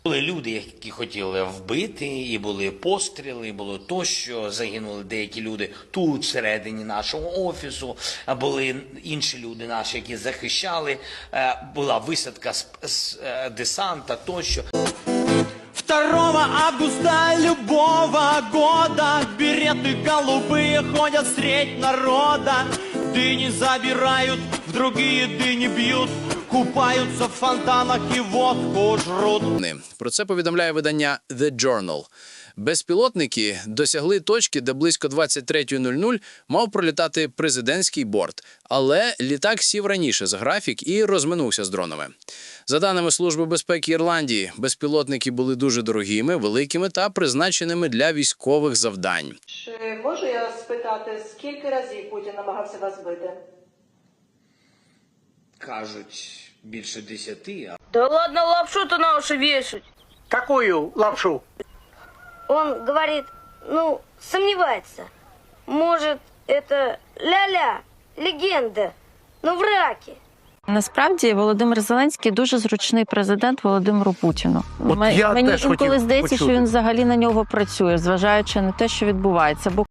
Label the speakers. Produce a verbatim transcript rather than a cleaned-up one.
Speaker 1: Були люди, які хотіли вбити, і були постріли, і було тощо, загинули деякі люди тут, всередині нашого офісу, а були інші люди наші, які захищали, була висадка з, з десанта тощо.
Speaker 2: второго августа любого года береты голубые ходят средь народа. Дыни забирают, в другие дыни бьют, купаються в фонтанах і водку жрут.
Speaker 3: Про це повідомляє видання The Journal. Безпілотники досягли точки, де близько двадцять третьої нуль нуль мав пролітати президентський борт, але літак сів раніше за графік і розминувся з дронами. За даними Служби безпеки Ірландії, безпілотники були дуже дорогими, великими та призначеними для військових завдань.
Speaker 4: Чи можу я спитати, скільки разів Путін намагався вас збити?
Speaker 1: Кажуть, більше десяти.
Speaker 5: Да ладно лапшу-то на уши вешать.
Speaker 6: Какую лапшу?
Speaker 5: Он говорит, ну, сомневается. Может, это ля-ля, легенда, но в раке.
Speaker 7: Насправді Володимир Зеленський дуже зручний президент Володимиру Путіну.
Speaker 6: От
Speaker 7: М-
Speaker 6: я
Speaker 7: Мені
Speaker 6: теж
Speaker 7: інколи
Speaker 6: хотів
Speaker 7: здається,
Speaker 6: почути.
Speaker 7: що він взагалі на нього працює, зважаючи на те, що відбувається. Бо